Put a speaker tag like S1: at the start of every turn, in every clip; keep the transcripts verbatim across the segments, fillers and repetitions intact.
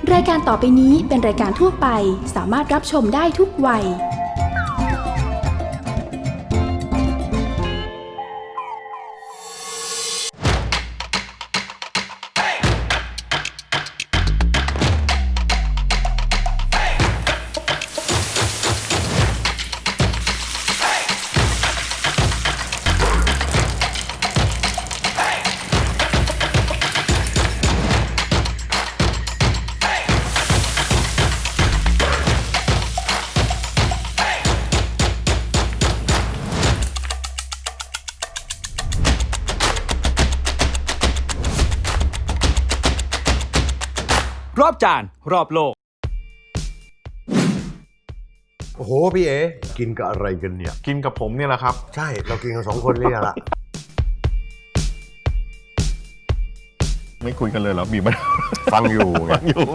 S1: รายการต่อไปนี้เป็นรายการทั่วไปสามารถรับชมได้ทุกวัย
S2: รอบจานรอบโลก
S3: โอ้โหพี่เอ๋กินกับอะไรกันเนี่ย
S4: กินกับผมเนี่ยแหละครับ
S3: ใช่เรากินกันสองคนเนี่ยละ
S4: ไม่คุยกันเลยเหรอบีบมัน
S3: ฟังอยู่ไง
S4: ฟังอยู่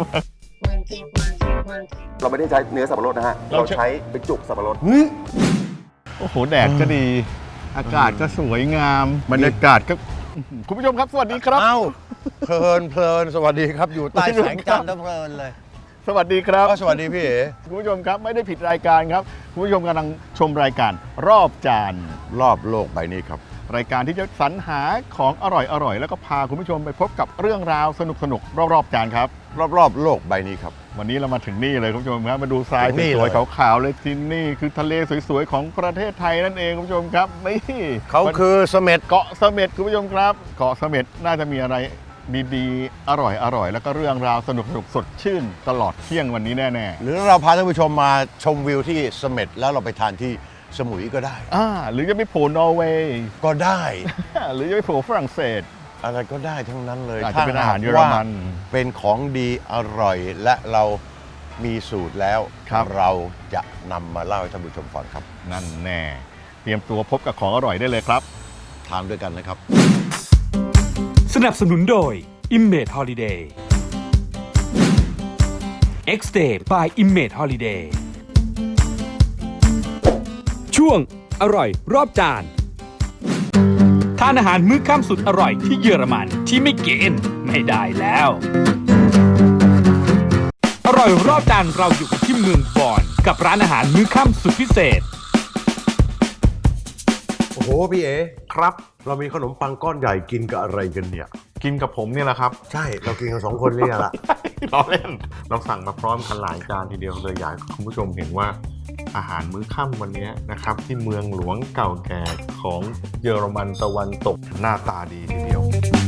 S5: เราไม่ได้ใช้เนื้อสับปะรดนะฮะ เราใช้เป็นจุกสับปะรด
S4: โอ้โหแดดก็ดี อากาศก็สวยงามบรรยากาศก็คุณผู้ชมครับสวัสดีครับ
S3: เอ้าเพลินเพลินสวัสดีครับอยู่ใต้แสงจันทร์แล้วเพลินเลย
S4: สวัสดีครับ
S3: ก็สวัสดีพี่เอ๋
S4: คุณผู้ชมครับไม่ได้ผิดรายการครับคุณผู้ชมกำลังชมรายการรอบจาน
S3: รอบโลกใบนี้ครับ
S4: รายการที่จะสรรหาของอร่อยๆแล้วก็พาคุณผู้ชมไปพบกับเรื่องราวสนุกๆรอบๆจานครับ
S3: รอบๆโลกใบนี้ครับ
S4: วันนี้เรามาถึงนี่เลยคุณผู้ชมครับมาดูทราย
S3: ถึงนี่
S4: สวย
S3: เลย
S4: ๆขาวๆเลยที่นี่คือทะเลสวยๆของประเทศไทยนั่นเองคุณผู้ชมครับนี่
S3: เขาคือเสม็ด
S4: เกาะเสม็ดคุณผู้ชมครับเกาะเสม็ดน่าจะมีอะไรดีๆ อร่อยๆแล้วก็เรื่องราวสนุกๆสดชื่นตลอดเที่ยงวันนี้แน่ๆ
S3: หรือเราพาท่านผู้ชมมาชมวิวที่เสม็ดแล้วเราไปทานที่สมุยก็ได้
S4: อ่าหรือจะไปโผล่นอร์เวย์
S3: ก็ได้
S4: หรือจะไปโผล่ฝรั่งเศส
S3: อะไรก็ได้ทั้งนั้นเลย
S4: อาจจะเป็นอาหารเยอรมัน
S3: ว่าเป็นของดีอร่อยและเรามีสูตรแล้ว
S4: ครับ
S3: เราจะนำมาเล่าให้ท่านผู้ชมฟังครับ
S4: นั่นแน่เตรียมตัวพบกับของอร่อยได้เลยครับ
S3: ทานด้วยกันนะครับ
S2: สนับสนุนโดย Image Holiday X-Day by Image Holiday ช่วงอร่อยรอบจานทานอาหารมื้อค่ำสุดอร่อยที่เยอรมันที่ไม่กินไม่ได้แล้วอร่อยรอบจานเราอยู่กันที่เมืองบอนกับร้านอาหารมื้อค่ำสุดพิเศษ
S3: โอ้โหพี่เอ๋
S4: ครับ
S3: เรามีขนมปังก้อนใหญ่กินกับอะไรกันเนี่ย
S4: กินกับผมเนี่ยแหละครับ
S3: ใช่เรากินกันสองคนเนี่ยละ
S4: ล้อเล่นเราสั่งมาพร้อมกันหลายจานทีเดียวเลยอยากให้คุณผู้ชมเห็นว่าอาหารมื้อค่ำวันนี้นะครับที่เมืองหลวงเก่าแก่ของเยอรมันตะวันตกหน้าตาดีทีเดียว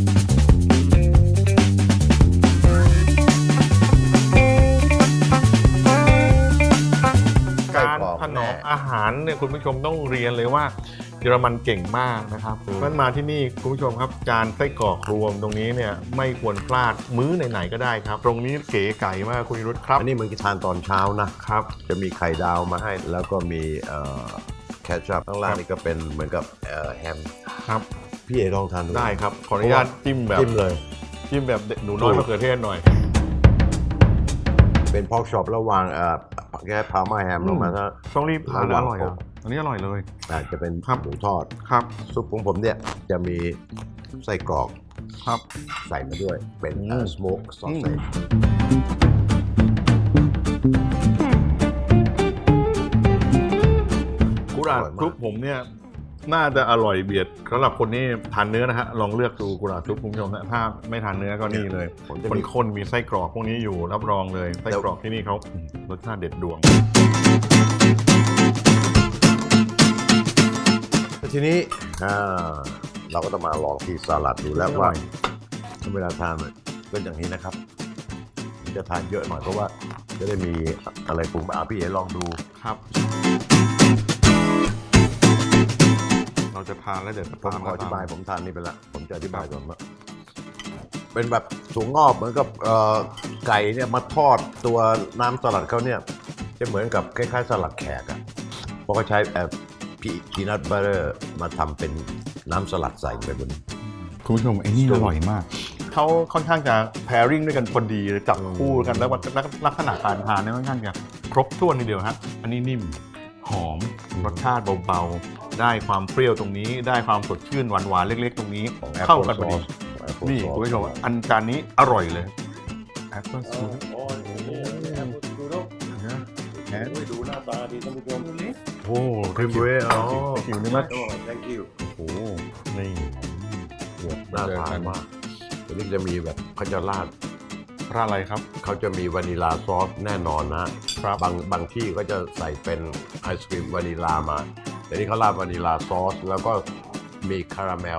S4: การถนอมอาหารเนี่ยคุณผู้ชมต้องเรียนเลยว่าเยอรมันเก่งมากนะครับเพราะฉะนั้นมาที่นี่คุณผู้ชมครับจานไส้กรอกรวมตรงนี้เนี่ยไม่ควรพลาดมื้อไหนๆก็ได้ครับตรงนี้เก๋ไก่มากคุณนิรุตครับ
S3: อันนี้เหมือนกินทานตอนเช้านะครับ จะมีไข่ดาวมาให้แล้วก็มีแคชชัพข้างล่างนี่ก็เป็นเหมือนกับแฮม
S4: ครับ
S3: พี่เอ๋ลองทานดู
S4: ได้ครับขออนุญาตจิ้มแบบ
S3: จิ้มเลย
S4: จิ้มแบบหนูน้อยมะเขือเทศหน่อย
S3: เป็นพอกช็อปแล้ววางแค่พาม่าแฮมลงมาถ้า
S4: ต้องรีบทานแล้วอร่อยอ่ะอันนี้อร่อยเลย
S3: อาจจะเป็น
S4: ครับ
S3: หมูทอด
S4: ครับ
S3: ซุปของผมเนี่ยจะมีไส้กรอก
S4: ครับ
S3: ใส่มาด้วยเป็น
S4: อืม
S3: สโมกซอสเซจ
S4: กุหลาบซุปผมเนี่ยน่าจะอร่อยเบียดสำหรับคนที่ทานเนื้อนะฮะลองเลือกดูกุหลาบซุปคุณผู้ชมนะถ้าไม่ทานเนื้อก็นี่เลย
S3: ผมจะ
S4: คน
S3: มี
S4: คนๆมีไส้กรอกพวกนี้อยู่รับรองเลยไส้กรอกที่นี่เขารสชาติเด็ดดวง
S3: ทีนี้อ่าเราก็ต้องมาลองที่สลัดดูแล้วว่าเวลาทานเนี่ยก็อย่างนี้นะครับจะทานเยอะหน่อยเพราะว่าจะได้มีอะไรปรุงอาพี่เอ๋ลองดู
S4: ครับ เราจะทานแล้วเดี๋ยวจะ
S3: ผม
S4: ตาม
S3: ขออธิบาย
S4: ตม
S3: ผมทานนี่ไปละผมจะอธิบายก่อนว่าเป็นแบบถั่วงอกเหมือนกับเอ่อไก่เนี่ยมาทอดตัวน้ำสลัดเขาเนี่ยจะเหมือนกับคล้ายๆสลัดแขกอะเพราะเขาใช้เอ่อพีนัทบัตเตอร์มาทำเป็นน้ำสลัดใส่ไปบน
S4: คุณผู้ชมไอ้นี่อร่อยมากเขาค่อนข้างจะ pairing ด้วยกันพอดีเลยจับคู่กันแล้วลักษณะการทานเนี่ยค่อนข้างจะครบถ้วนทีเดียวฮะอันนี้นิ่มหอมรสชาติเบาๆได้ความเปรี้ยวตรงนี้ได้ความสดชื่นหวานๆเล็กๆตรงนี้
S3: ของ
S4: เข้ากันพอดี
S3: Apple Sauce
S4: นี่คุณผู้ชมอันจานนี้อร่อยเลย Apple Sauce
S5: ดูดู
S4: นะแอน
S5: ดูหน้าตาดีท่านผู้ชม
S4: โอ้
S3: ครีมเบรอ๋อ
S4: หิวนี่มั้ย
S5: โอ้ thank you
S4: โอ้นี่เกือบ
S3: น่าทานมากอันนี้จะมีแบบเขาจะราด
S4: ร้านอะไรครับ
S3: เขาจะมีวานิลาซอสแน่นอนนะครับ บางบางที่ก็จะใส่เป็นไอศครีมวานิลามาแต่นี่เขาราดวานิลาซอสแล้วก็มีคาราเมล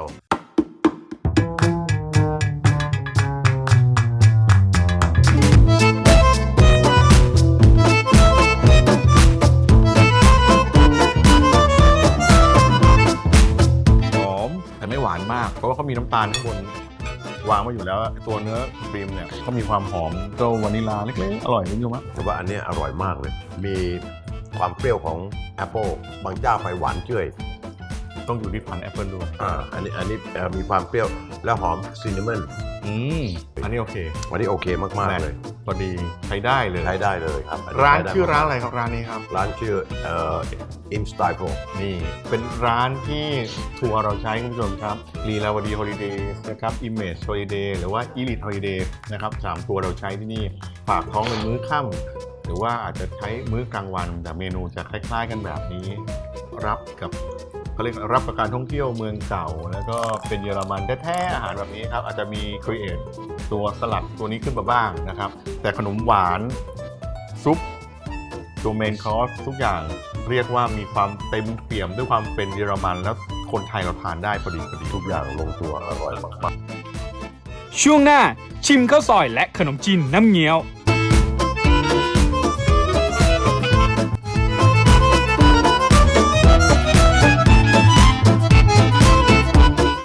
S4: หอมแต่ไม่หวานมากเพราะว่าเขามีน้ำตาลข้างบนวางมาอยู่แล้วตัวเนื้อครีมเนี่ยเขามีความหอมเจ้าวานิลาเล็กๆอร่อยนิดนึงมั้ย
S3: แต่ว่าอันเนี้ยอร่อยมากเลย มีความเปรี้ยวของแอปเปิลบางเจ้าไปหวานเจ้ย
S4: ต้องอยู่ที่พันธุ์แอปเปิลด้วย
S3: อ่าอันนี้อันนี้เอ่อมีความเปรี้ยวและหอมซินนามอน
S4: อืมอันนี้โอเค
S3: วันนี้โอเคมากๆเลย
S4: พอดีใช้ได้เลย
S3: ใช้ได้เลยครับนนี้
S4: ร้าน
S3: ใได้
S4: ชื่อร้าน
S3: มก
S4: อะไรครับร้านนี้ครับ
S3: ร้านชื่อเอ่อ In Style
S4: นี่เป็นร้านที่ทัวร์เราใช้คุณผู้ชมครับลีลาวดีฮอลิเดย์นะครับ Image Holiday หรือว่า Elite Holiday นะครับสามตัวเราใช้ที่นี่ฝากท้องเป็นมื้อค่ำหรือว่าอาจจะใช้มื้อกลางวันแต่เมนูจะคล้ายๆกันแบบนี้ รับกับเขาเรียกรับประการท่องเที่ยวเมืองเก่า แล้วก็เป็นเยอรมันแท้ๆอาหารแบบนี้ครับอาจจะมีครีเอทตัวสลัดตัวนี้ขึ้นมาบ้างนะครับแต่ขนมหวานซุปตัวเมนคอร์สทุกอย่างเรียกว่ามีความเต็มเปี่ยมด้วยความเป็นเยอรมันแล้วคนไทยเราทานได้พอดีพอดี
S3: ทุกอย่างลงตัวอร่อยมาก
S2: ช่วงหน้าชิมข้าวซอยและขนมจีนน้ำเงี้ยว